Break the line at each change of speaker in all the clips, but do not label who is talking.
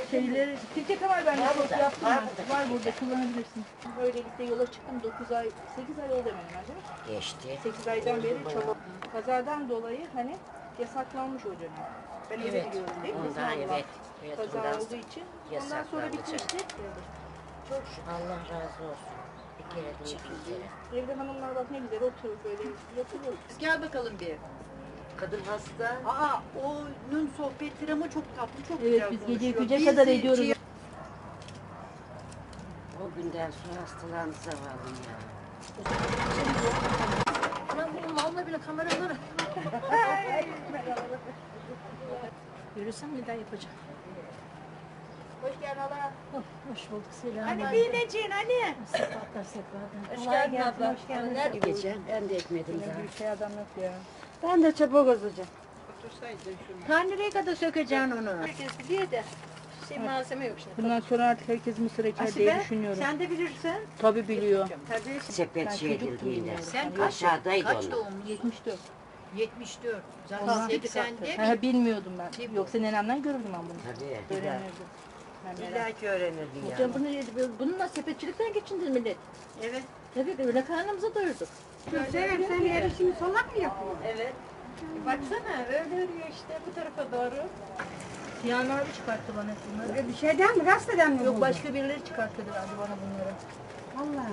şeyleri, Tilki Kemal ben de yaptım ben. Var burada, kullanabilirsin. Böylelikle yola çıktım 8 ay oldu hemen hemen değil mi?
Geçti.
8 aydan beri çaba. Kazadan dolayı hani yasaklanmış o dönem. Ben öyle
Evet.
biliyorum değil mi?
Ondan evet.
Kaza
ondan
olduğu için. Ondan sonra bitmişti.
Çok şükür. Allah razı olsun. Bir kere değil bir kere.
Evde hanımlar bak ne güzel oturup böyle yapılıyor.
Gel bakalım bir.
Kadın hasta.
Aa, onun sohbetleri ama çok tatlı, çok
Evet,
güzel
biz
konuşuyor.
gece 3'e kadar ediyoruz.
O günden sonra hastalandı zavallım ya.
Ben bunun vallahi bile kameraları. Yürüsem neden yapacağım?
Hoş geldin Allah.
Hoş bulduk, selam.
Hani bineceksin hani.
Sefatlar sefatlar.
Hoş geldin abla. Hoş
Nerede geçen? Ben de etmedim daha.
Bir şey adam yok ya.
Ben de çabuk olacağım.
Otursaydın şunu.
Ta nereye kadar sökeceksin onu?
Herkes biliyor da.
Malzeme yok şimdi.
Bundan sonra artık herkes mısır eker diye düşünüyorum.
Sen de bilirsin.
Tabii biliyor.
Tabii.
Sepet
Ben
şey
çocuktum
edildiğinde.
yani.
Sen
Aşağıdaydı
kaç
onu.
doğumlu?
74.
74.
Allah
Zaten 80'de
Ha, bilmiyordum ben. Yoksa nenemden görürdüm ben bunu.
Tabii.
Öğrenirdim. Ben merak-
İlla ki öğrenirdin ya.
Hocam bununla sepetçilikten geçindin millet. Evet. Evet, öyle karnımızı doyurduk.
Sevim sen yarışını solak mı yapıyorsun?
Evet. Baksana öyle örüyor işte bu tarafa doğru.
Sinan abi çıkarttı bana bunları.
Bir şeyden mi gazeteden mi
Yok
buldun?
başka birileri çıkarttı herhalde bana bunları.
Allah.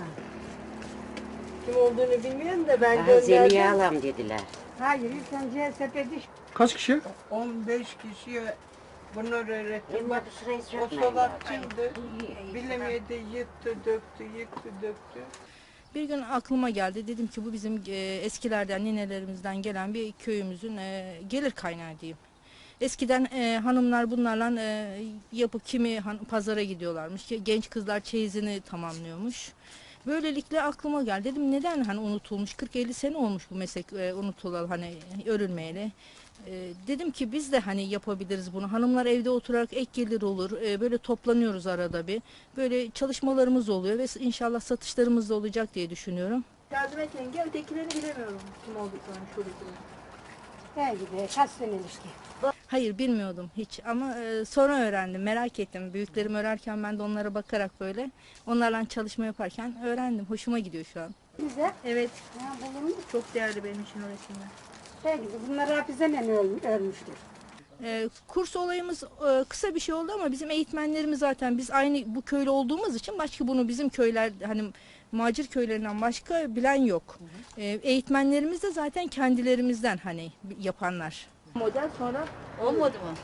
Kim olduğunu bilmiyorum da ben
Daha Zemiye alam dediler.
Hayır ilk önce sepeti
Kaç kişi?
15 kişiye bunları öğrettim. Bak,
Bu sırayı
o
sürtmeyin.
solakçıydı. Bilemedi, yıktı, döktü.
Bir gün aklıma geldi. Dedim ki bu bizim eskilerden, ninelerimizden gelen bir köyümüzün gelir kaynağı diyeyim. Eskiden hanımlar bunlarla yapıp kimi pazara gidiyorlarmış. Genç kızlar çeyizini tamamlıyormuş. Böylelikle aklıma geldi. Dedim neden hani unutulmuş? 40-50 sene olmuş bu meslek unutulalı hani örülmeyeli. Dedim ki biz de hani yapabiliriz bunu. Hanımlar evde oturarak ek gelir olur. Böyle toplanıyoruz arada bir. Böyle çalışmalarımız oluyor ve inşallah satışlarımız da olacak diye düşünüyorum. Yardım et yenge. Ötekilerini bilemiyorum kim olduklarını şuradakilerini.
ben gibi kaç sene ilişki.
Hayır bilmiyordum hiç ama sonra öğrendim, merak ettim. Büyüklerim örerken ben de onlara bakarak böyle onlarla çalışma yaparken öğrendim. Hoşuma gidiyor şu an.
Bize
Evet,
ya bulunmuş.
çok değerli benim için o resimler.
Ben gibi bunlar hafizenen ölmüştür.
Kurs olayımız kısa bir şey oldu ama bizim eğitmenlerimiz zaten biz aynı bu köylü olduğumuz için başka bunu bizim köyler hani macir köylerinden başka bilen yok. Eğitmenlerimiz de zaten kendilerimizden hani yapanlar. Model sonra
Olmadı mı?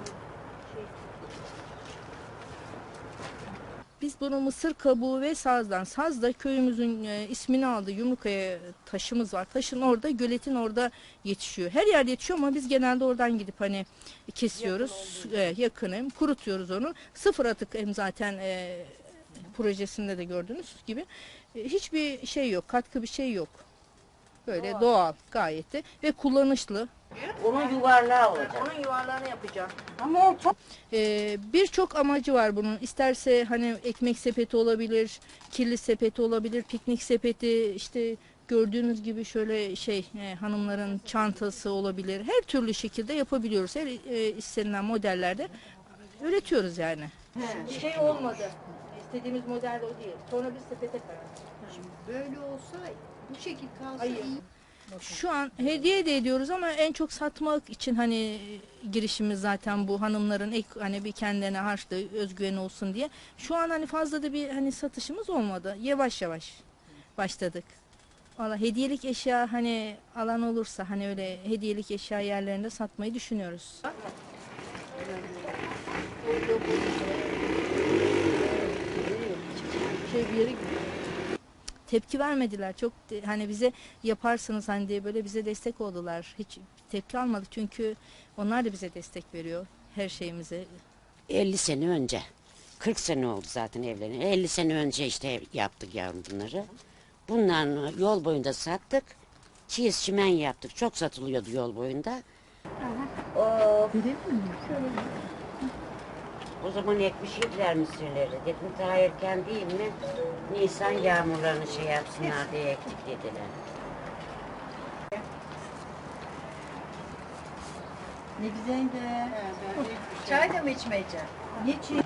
biz bunu mısır kabuğu ve sazdan. Saz da köyümüzün ismini aldı. Yumrukaya taşımız var. Taşın orada, göletin orada yetişiyor. Her yerde yetişiyor ama biz genelde oradan gidip hani kesiyoruz. Yakınım. Kurutuyoruz onu. Sıfır atık hem zaten projesinde de gördüğünüz gibi. Hiçbir şey yok. Katkı bir şey yok. Böyle doğal gayet de ve kullanışlı.
Onun yuvarlağı olacak.
Onun yuvarlağını yapacağım.
Ama o çok
Birçok amacı var bunun. İsterse hani ekmek sepeti olabilir, kirli sepeti olabilir, piknik sepeti, işte gördüğünüz gibi şöyle hanımların çantası olabilir. Her türlü şekilde yapabiliyoruz. Her istenilen modellerde üretiyoruz yani. Şey olmadı. İstediğimiz model o değil. Sonra biz sepete karar.
Böyle olsa bu şekil kalsa
Hayır.
iyi.
Şu an hediye de ediyoruz ama en çok satmak için hani girişimiz zaten bu hanımların hani bir kendilerine harçlı özgüveni olsun diye. Şu an hani fazla da bir hani satışımız olmadı. Yavaş yavaş başladık. Valla hediyelik eşya hani alan olursa hani öyle hediyelik eşya yerlerinde satmayı düşünüyoruz. Bir yere tepki vermediler. Çok hani bize yaparsınız hani diye böyle bize destek oldular. Hiç tepki almadık çünkü onlar da bize destek veriyor her şeyimize.
50 sene önce. 40 sene oldu zaten evlerini. 50 sene önce işte yaptık yavrum bunları. Bunların yol boyunda sattık. Çiğiz çimen yaptık. Çok satılıyordu yol boyunda. O zaman ekmişler mısırları. Dedim daha erken değil mi? Nisan yağmurlarını şey yapsınlar diye ektik dediler.
Ne güzel de. Çay da mı içmeyeceksin? Niçin?